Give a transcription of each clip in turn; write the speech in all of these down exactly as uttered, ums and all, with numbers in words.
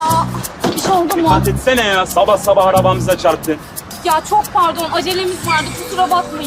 Aa, bir şey oldu mu? Dikkat etsene ya, sabah sabah arabamıza çarptı. Ya çok pardon, acelemiz vardı, kusura bakmayın.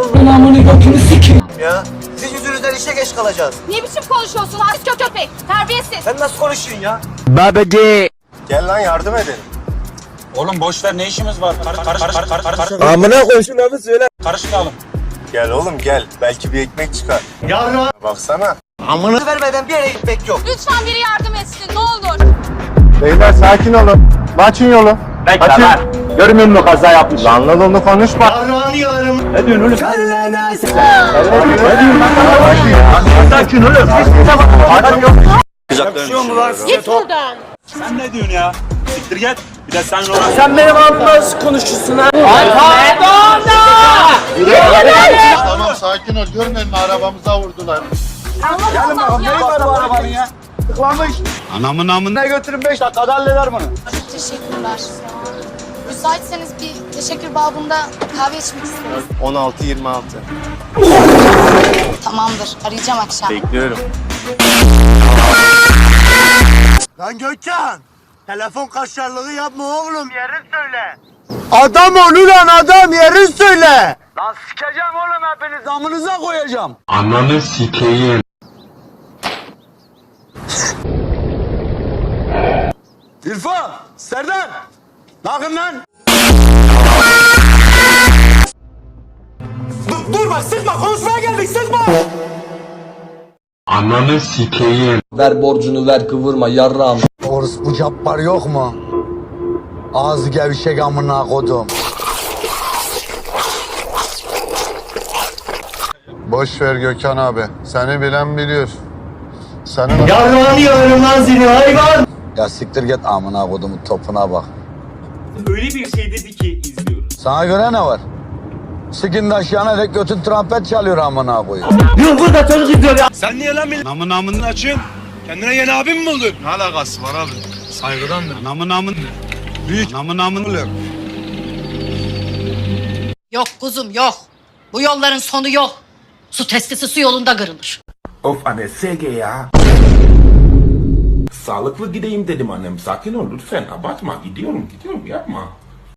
Ya siz yüzünüzden işe geç kalacağız. Ne biçim konuşuyorsun aç kö köpek? Terbiyesiz. Sen nasıl konuşuyorsun ya? Babacı. Gel lan yardım edelim. Oğlum boş ver, ne işimiz var? Kar kar kar kar kar kar. Amına koy şunu abi söyle. Karışmayalım. Gel oğlum gel. Belki bir ekmek çıkar. Yarra. Baksana. Amına Vermeden bir yere gitmek yok. Lütfen biri yardım etsin, ne olur. Beyler sakin olun. Açın yolu. Bekle lan. Görmüyor musun kaza yapmış? Lan lan onu konuşma. Ne diyorsun oğlum? Sakin olun. Adam yok. Yakışıyor mu lan size? Git buradan. Sen ne diyorsun ya? Siktir git. Bir de sen ona. sen benim abimle nasıl konuşuyorsun ha? Tamam sakin ol. Görmedin mi arabamıza vurdular. Gelin bakalım. Neyi var bu arabanın ya? Tıklanmış. Anamın amına. Ne götürün beş dakikada halleder bunu. Çok teşekkürler. Müsaitseniz bir teşekkür babında kahve içmek isteriz. on altı yirmi altı. Tamamdır. Arayacağım akşam. Bekliyorum. Lan Gökhan! Telefon kaşarlığı yapma oğlum. Yerin söyle. Adam ol ulan adam. Yerin söyle. Lan sikeceğim oğlum hepiniz. Amınıza koyacağım. Ananı sikeyim. İrfan! Serdar! Ne yapın lan? Dur, dur bak sıkma konuşmaya geldik sıkma! Ananı sikeyim. Ver borcunu ver kıvırma yarram. Orospu Cabbar yok mu? Ağzı gevşek amına kodum. Boş ver Gökhan abi. Seni bilen biliyor. Senin... Yarrağını yalarım lan seni hayvan! Ya siktir git amına kodumun topuna bak. Öyle bir şey dedi ki izliyoruz. Sana göre ne var? Sikin aşağına dek götün trompet çalıyor amına koyuyor. Sen niye lan benim? Namın namını açın. Kendine yeni abim mi buldun? Ne alakası var abi? Saygıdandır. Namın namın. Büyük namın namın oluyor. Yok kuzum yok. Bu yolların sonu yok. Su testisi su yolunda kırılır. Of anne S G ya. Sağlıklı gideyim dedim annem. Sakin ol lütfen. Abartma. Gidiyorum gidiyorum yapma.